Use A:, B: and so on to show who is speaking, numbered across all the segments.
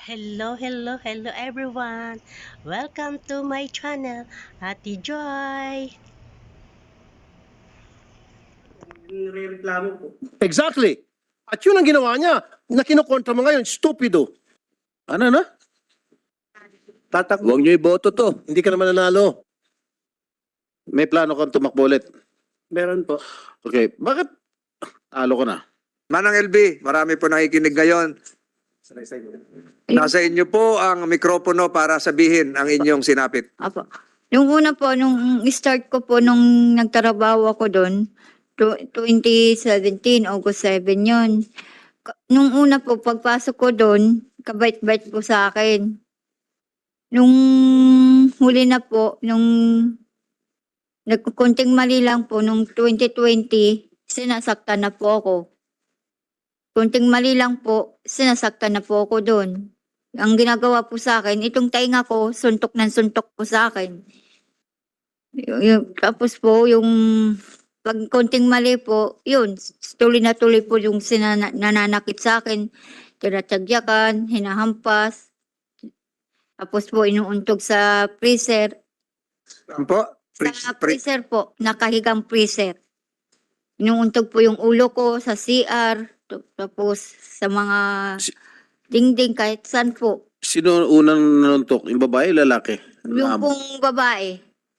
A: Hello everyone! Welcome to my channel, Ate Joy!
B: Nirereklamo po. Exactly. At yun ang ginawa niya na kinukontra mo ngayon, stupido. Ano na? Huwag niyo iboto to. Hindi ka naman nanalo. May plano kang tumakbo ulit. Meron po. Okay. Bakit talo ka na?
C: Manang LB, marami po nakikinig ngayon. Nasa inyo po ang mikropono para sabihin ang inyong sinapit.
D: Apo. Yung una po, nung start ko po, nung nagtrabaho ako doon, 2017, August 7 yun. Nung una po, pagpasok ko doon, kabait-bait po sa akin. Nung huli na po, nung nagkunting mali lang po, nung 2020, sinasaktan na po ako. Kunting mali lang po, sinasaktan na po ako doon. Ang ginagawa po sa akin, itong tainga ko, suntok ng suntok po sa akin. Tapos po, yung pag konting mali po, yun, tuloy na tuloy po yung nananakit sa akin. Tinatagyakan, hinahampas. Tapos po, inuuntog sa freezer.
C: Ano po?
D: Sa freezer po, nakahigang freezer. Inuuntog po yung ulo ko sa CR. Tapos sa mga dingding kahit saan po.
B: Sino unang nanuntok? Yung babae, lalaki?
D: Yung pong babae.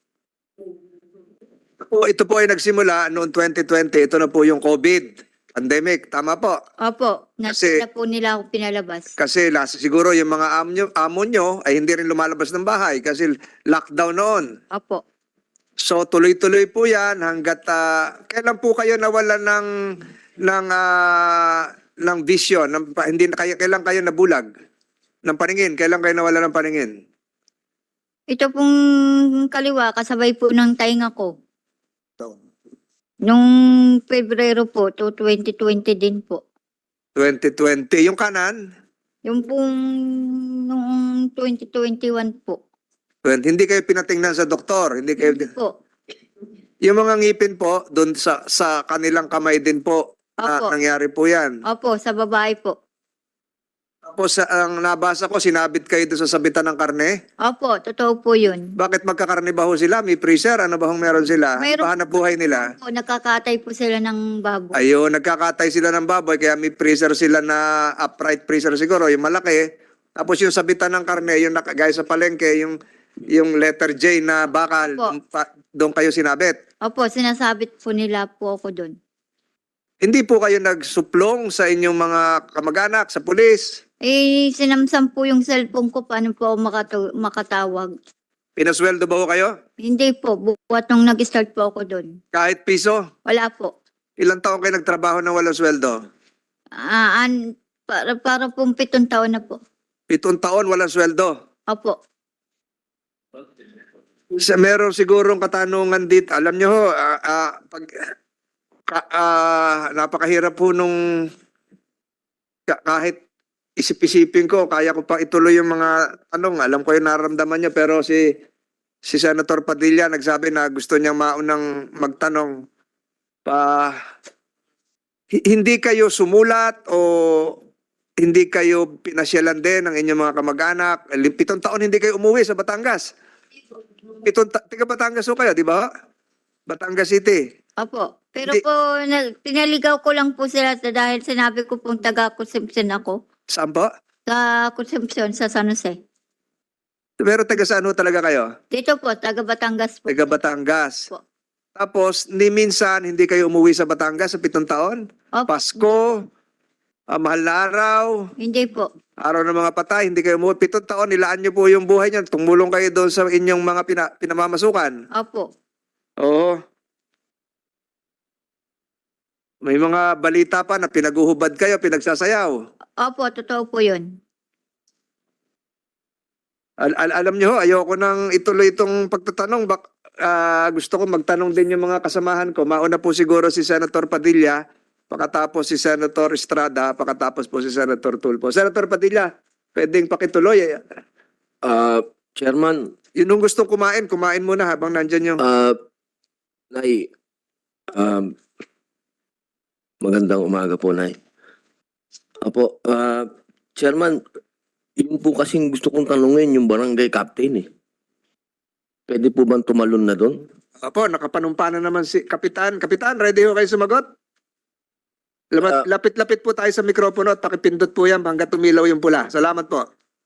C: Ito po ay nagsimula noong 2020. Ito na po yung COVID pandemic. Tama po.
D: Opo,
C: Kasi-
D: na po nila ako pinalabas.
C: Kasi siguro yung mga amo nyo ay hindi rin lumalabas ng bahay kasi lockdown noon.
D: Opo.
C: So tuloy-tuloy po yan hanggat kailan po kayo nawalan ng vision, hindi na kayo, kailan kayo nabulag ng paningin? Kailan kayo nawala ng paningin?
D: Ito pong kaliwa, kasabay po ng tainga ko. Nung Pebrero po, to 2020 din po.
C: 2020. Yung kanan?
D: Yung pong noong 2021 po.
C: Hindi kayo pinatingnan sa doktor, hindi kayo.
D: Hindi po.
C: Yung mga ngipin po, doon sa kanilang kamay din po,
D: Opo.
C: nangyari po yan.
D: Opo, sa babae po.
C: Tapos ang nabasa ko, sinabit kayo doon sa sabitan ng karne.
D: Opo, totoo po yun.
C: Bakit magkakarne ba ho sila? May freezer? Ano ba hong meron sila?
D: Mayroon-
C: Pahanap buhay nila?
D: Opo, nakakatay po sila ng baboy.
C: Ayun, nagkakatay sila ng baboy, kaya may freezer sila na upright freezer siguro, yung malaki. Tapos yung sabitan ng karne, yung gaya sa palengke, yung letter J na bakal,
D: Opo.
C: doon kayo sinabit.
D: Opo, sinasabit po nila po ako doon.
C: Hindi po kayo nagsuplong sa inyong mga kamag-anak, sa pulis.
D: Sinamsam po yung cellphone ko, paano po ako makatawag.
C: Pinasweldo ba ho kayo?
D: Hindi po, buwat nung nag-start po ako doon.
C: Kahit piso?
D: Wala po.
C: Ilang taon kayo nagtrabaho ng walang sweldo?
D: Para pong 7 taon na po.
C: 7 taon walang sweldo.
D: Opo.
C: Meron sigurong katanungan dito. Alam nyo ho, napakahirap po nung kahit isip-isipin ko, kaya ko pa ituloy yung mga tanong. Alam ko yung nararamdaman niya, pero si Senator Padilla nagsabi na gusto niyang maunang magtanong. Hindi kayo sumulat o hindi kayo pinasyalan din ng inyong mga kamag-anak? 7 taon hindi kayo umuwi sa Batangas. Taga Batangas ho kayo, di ba? Batangas City.
D: Opo. Pero
C: Hindi.
D: po, pinaligaw ko lang po sila dahil sinabi ko pong taga-consumption ako.
C: Saan po?
D: Sa consumption sa San Jose.
C: Pero taga saan ho talaga kayo?
D: Dito po, taga Batangas po.
C: Taga Batangas.
D: Po.
C: Tapos, ni minsan hindi kayo umuwi sa Batangas sa 7 taon?
D: Opo.
C: Pasko, mahal na araw,
D: Hindi po.
C: araw ng mga patay, hindi kayo umuwi. 7 taon, nilaan niyo po yung buhay niyan. Tumulong kayo doon sa inyong mga pinamamasukan.
D: Opo.
C: Oo. May mga balita pa na pinaguhubad kayo, pinagsasayaw.
D: Opo, totoo po yun.
C: Alam niyo ho, ayoko nang ituloy itong pagtatanong. Gusto ko magtanong din yung mga kasamahan ko. Mauna po siguro si Senator Padilla, pakatapos si Senator Estrada, pakatapos po si Senator Tulfo. Senator Padilla, pwedeng pakituloy.
E: Chairman,
C: Yun yung gustong kumain muna habang nandyan yung...
E: Nay, magandang umaga po, Nay. Apo, Chairman, Yun po kasing gusto kong tanungin yung barangay captain eh. Pwede po bang tumalon na doon?
C: Opo, nakapanumpa na naman si Kapitan. Kapitan, ready ho kayo sumagot? Lapit-lapit po tayo sa mikropono at pakipindot po yan hanggang tumilaw yung pula. Salamat po.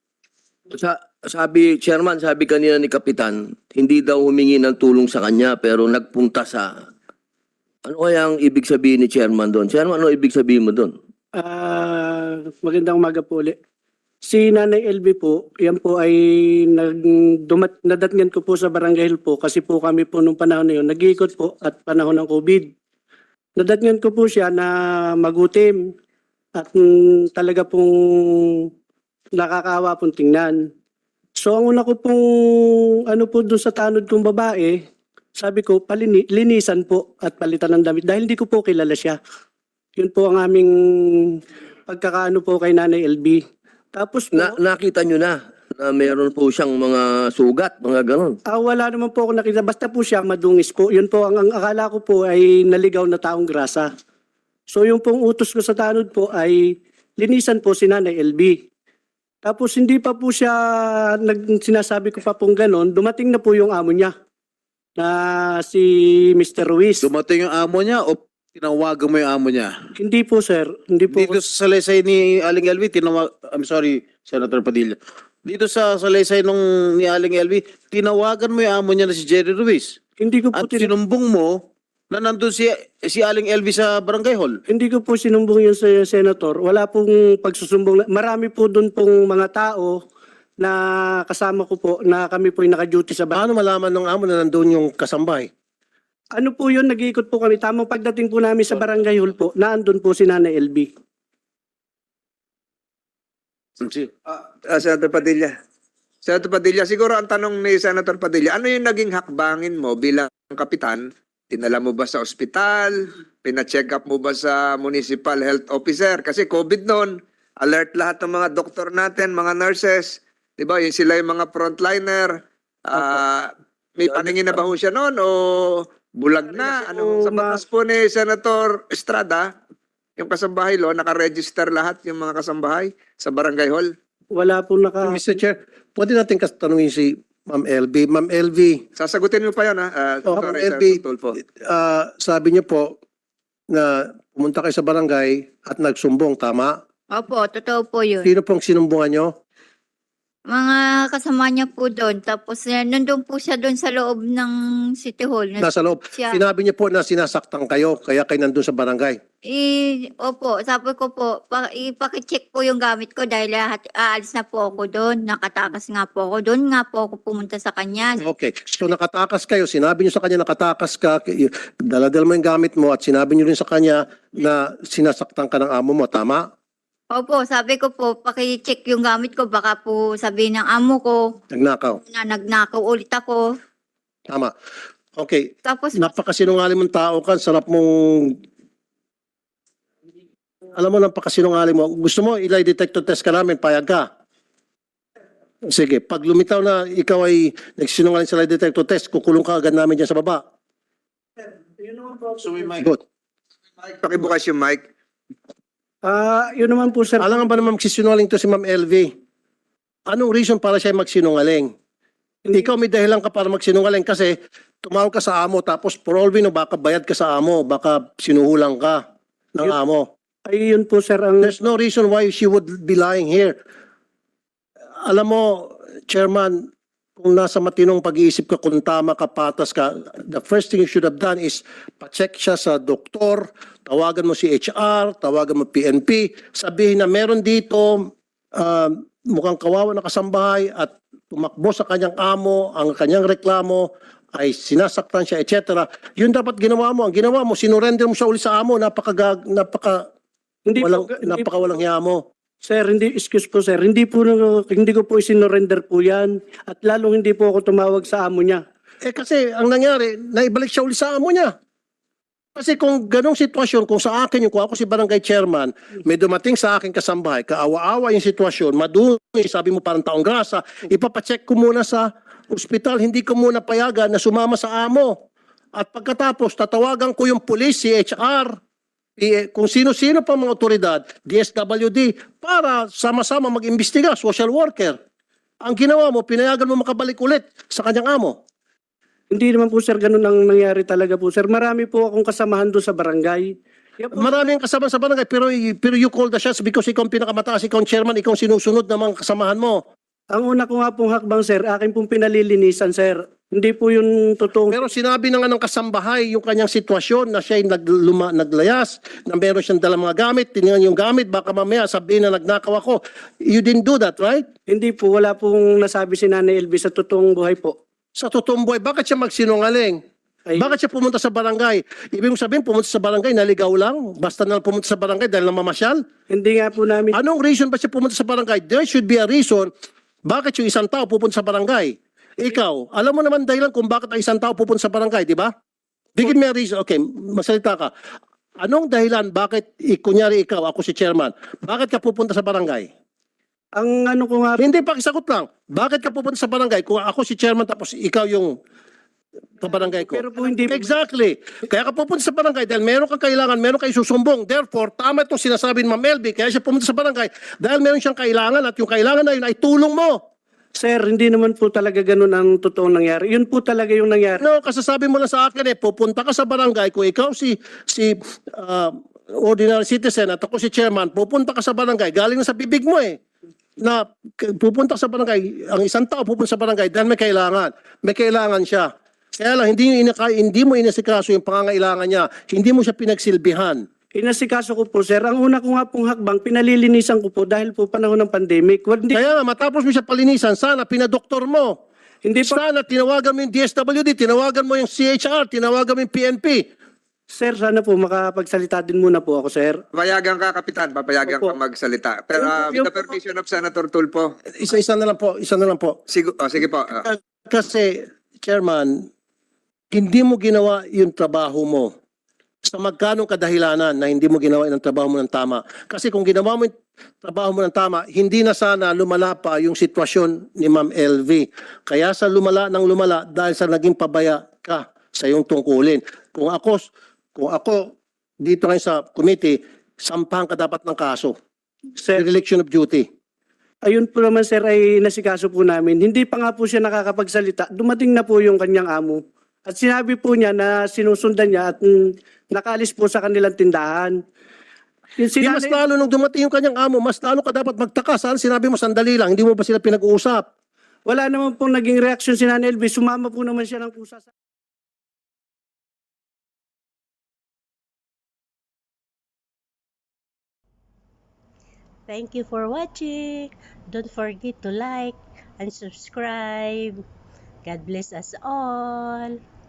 E: Sabi, Chairman, sabi kanina ni Kapitan, hindi daw humingi ng tulong sa kanya pero nagpunta sa... Ano kaya ang ibig sabihin ni Chairman doon? Chairman, ano ibig sabihin mo doon?
F: Magandang umaga po ulit. Si Nanay LB po, yan po ay nadatngan ko po sa Barangay Hill po kasi po kami po nung panahon na yun, nag-iikot po at panahon ng COVID. Nadatngan ko po siya na magutim at talaga pong nakakaawa pong tingnan. So ang una ko pong ano po doon sa tanod kong babae, sabi ko linisan po at palitan ng damit dahil hindi ko po kilala siya. Yun po ang aming pagkakaano po kay Nanay LB. Tapos po,
E: Nakita nyo na meron po siyang mga sugat, mga ganon.
F: wala naman po ako nakita. Basta po siya madungis po. Yun po, ang akala ko po ay naligaw na taong grasa. So yung pong utos ko sa tanod po ay linisan po si Nanay LB. Tapos hindi pa po siya, sinasabi ko pa pong ganon, dumating na po yung amo niya na si Mr. Ruiz.
B: Dumating yung amo niya o tinawagan mo yung amo niya?
F: Hindi po sir, hindi po.
B: Dito sa salaysay ni Aling LV, I'm sorry, Senator Padilla. Dito sa salaysay ni Aling LV, tinawagan mo yung amo niya na si Jerry Ruiz.
F: Hindi ko po
B: At sinumbong mo na nandun si Aling LV sa Barangay Hall.
F: Hindi ko po sinumbong yun sa senator. Wala pong pagsusumbong. Marami po doon pong mga tao na kasama ko po na kami po yung naka-duty sa bahay.
G: Paano malaman ng amo na nandun yung kasambay?
F: Ano po yun, nag-iikot po kami. Tamang pagdating po namin sa Barangay Hall po, naandun po si Nanay LB.
C: Senator Padilla. Senator Padilla, siguro ang tanong ni Senator Padilla, ano yung naging hakbangin mo bilang kapitan? Tinala mo ba sa ospital? Pina-check up mo ba sa municipal health officer? Kasi COVID noon, alert lahat ng mga doktor natin, mga nurses. Diba, yun sila yung mga frontliner. May paningin na ba ho siya noon o bulag na? Ano, sa batas po ni Senator Estrada, yung kasambahay lo, nakaregister lahat yung mga kasambahay sa Barangay Hall.
F: Wala po
G: Mr. Chair, pwede natin tanungin si Ma'am LB. Ma'am LB,
C: Sasagutin mo pa yan, ha?
G: Ma'am
C: Sorry,
G: LB,
C: Senator Tulfo.
G: sabi niyo po na pumunta kayo sa barangay at nagsumbong, tama?
D: Opo, totoo po yun.
G: Sino pong sinumbungan niyo?
D: Mga kasama niya po doon. Tapos nandun po siya doon sa loob ng City Hall.
G: Nasa loob.
D: Siya.
G: Sinabi niyo po na sinasaktan kayo, kaya kayo nandun sa barangay.
D: Opo, sabi ko po, ipakicheck po yung gamit ko dahil aalis na po ako doon. Nakatakas nga po ako doon. Nga po ako pumunta sa kanya.
G: Okay. So nakatakas kayo, sinabi niyo sa kanya nakatakas ka, daladal mo yung gamit mo at sinabi niyo rin sa kanya na sinasaktan ka ng amo mo, tama?
D: Opo, sabi ko po, pakicheck yung gamit ko. Baka po sabihin ng amo ko
G: Nagnakaw.
D: na nagnakaw ulit ako.
G: Tama. Okay.
D: Tapos,
G: Napakasinungaling mong tao ka, sarap mong... Alam mo, napakasinungaling mo. Gusto mo, lie detector test ka namin, payag ka. Sige, pag lumitaw na ikaw ay nagsinungaling sa lie detector test, kukulong ka agad namin dyan sa baba.
B: So we might...
G: Good.
C: Pakibukas yung mic.
F: yun naman po sir.
G: Alam nga ba naman magsisinungaling to si Ma'am LV? Anong reason para siya magsinungaling? Ikaw may dahilan ka para magsinungaling kasi tumawag ka sa amo tapos for all we know, baka bayad ka sa amo, baka sinuhulang ka ng amo.
F: Ay yun po sir ang...
G: There's no reason why she would be lying here. Alam mo, Chairman, kung nasa matinong pag-iisip ka, kung tama ka, patas ka, the first thing you should have done is pa-check siya sa doktor, tawagan mo si HR, tawagan mo PNP, sabihin na meron dito mukhang kawawa na kasambahay at tumakbo sa kanyang amo, ang kanyang reklamo ay sinasaktan siya, etc. Yun dapat ginawa mo. Ang ginawa mo, sinurrender mo siya uli sa amo, napakawalang hiya mo.
F: Sir, excuse po sir, hindi ko po isinorender po yan at lalong hindi po ako tumawag sa amo niya.
G: Kasi ang nangyari, naibalik siya uli sa amo niya. Kasi kung ganong sitwasyon, kung sa akin kung ako si barangay chairman, may dumating sa akin kasambahay, kaawa-awa yung sitwasyon, madumi, sabi mo parang taong grasa, ipapacheck ko muna sa ospital, hindi ko muna payagan na sumama sa amo. At pagkatapos, tatawagan ko yung police, si HR, kung sino-sino pa mga otoridad, DSWD, para sama-sama mag-imbestiga, social worker. Ang ginawa mo, pinayagan mo makabalik ulit sa kanyang amo.
F: Hindi naman po sir, ganun ang nangyari talaga po sir. Marami po akong kasamahan doon sa barangay. Kaya po,
G: Maraming kasama sa barangay, pero you call the shots because ikaw ang pinakamataas, ikaw ang chairman, ikaw ang sinusunod ng mga kasamahan mo.
F: ang una ko nga pong hakbang sir, akin pong pinalilinisan sir. Hindi po yung totoong...
G: Pero sinabi na nga ng kasambahay yung kanyang sitwasyon na siya ay naglayas, na meron siyang dalang mga gamit, tinignan yung gamit, baka mamaya sabihin na nagnakaw ako. You didn't do that, right?
F: Hindi po, wala pong nasabi si Nanay LB sa totoong buhay po.
G: Sa totoong buhay, bakit siya magsinungaling?
F: Ay,
G: Bakit siya pumunta sa barangay? Ibig sabihin, pumunta sa barangay, naligaw lang? Basta na pumunta sa barangay dahil namamasyal?
F: hindi nga po namin...
G: Anong reason ba siya pumunta sa barangay? There should be a reason bakit yung isang tao pupunta sa barangay. Ikaw, alam mo naman dahilan kung bakit ang isang tao pupunta sa barangay, di ba? Bigyan mo reason. Okay, masalita ka. Anong dahilan bakit, kunyari ikaw, ako si chairman, bakit ka pupunta sa barangay?
F: Ang ano ko nga...
G: Hindi, pakisagot lang. Bakit ka pupunta sa barangay kung ako si chairman tapos ikaw yung barangay ko?
F: Pero po hindi...
G: Exactly. Kaya ka pupunta sa barangay dahil meron kang kailangan, meron kang isusumbong. Therefore, tama itong sinasabi ni Ma'am LB, kaya siya pumunta sa barangay dahil meron siyang kailangan at yung kailangan na yun ay tulong mo.
F: Sir, hindi naman po talaga ganun ang totoong nangyari. Yun po talaga yung nangyari.
G: No, kasasabi mo lang sa akin pupunta ka sa barangay kung ikaw si ordinary citizen at ako si chairman, pupunta ka sa barangay, galing na sa bibig mo na pupunta ka sa barangay, ang isang tao pupunta sa barangay dahil may kailangan siya. Kaya lang, hindi mo inasikaso yung pangangailangan niya, hindi mo siya pinagsilbihan.
F: Inasikaso ko po, sir. Ang una ko nga pong hakbang, pinalilinisan ko po dahil po panahon ng pandemic. Hindi,
G: Kaya nga, matapos mo siya palinisan, sana pinadoktor mo.
F: hindi po,
G: Sana tinawagan mo yung DSWD, tinawagan mo yung CHR, tinawagan mo yung PNP.
F: sir, sana po makapagsalita din muna po ako, sir.
C: Papayagan ka, Kapitan. Papayagan
F: Opo.
C: ka magsalita. Pero
G: Yung-
C: with the permission of Senator Tulfo.
G: Isa na lang po.
C: Sige po.
G: Kasi, Chairman, hindi mo ginawa yung trabaho mo. Sa magkanong kadahilanan na hindi mo ginawa yung trabaho mo ng tama. Kasi kung ginawa mo yung trabaho mo ng tama, hindi na sana lumala pa yung sitwasyon ni Ma'am LV. Kaya sa lumala dahil sa naging pabaya ka sa iyong tungkulin. Kung ako dito ngayon sa committee, sampahan ka dapat ng kaso.
F: Sir,
G: Dereliction of duty.
F: ayun po naman, sir, ay nasikaso po namin. Hindi pa nga po siya nakakapagsalita. Dumating na po yung kanyang amo. At sinabi po niya na sinusundan niya at nakaalis po sa kanilang tindahan. Yung
G: Di mas
F: sinanay-
G: lalo nung dumating yung kanyang amo, mas lalo ka dapat magtaka. Saan sinabi mo sandali lang, hindi mo ba sila pinag-uusap?
F: Wala naman pong naging reaksyon si Nanay LB. Sumama po naman siya ng kusa sa...
A: Thank you for watching. Don't forget to like and subscribe. God bless us all.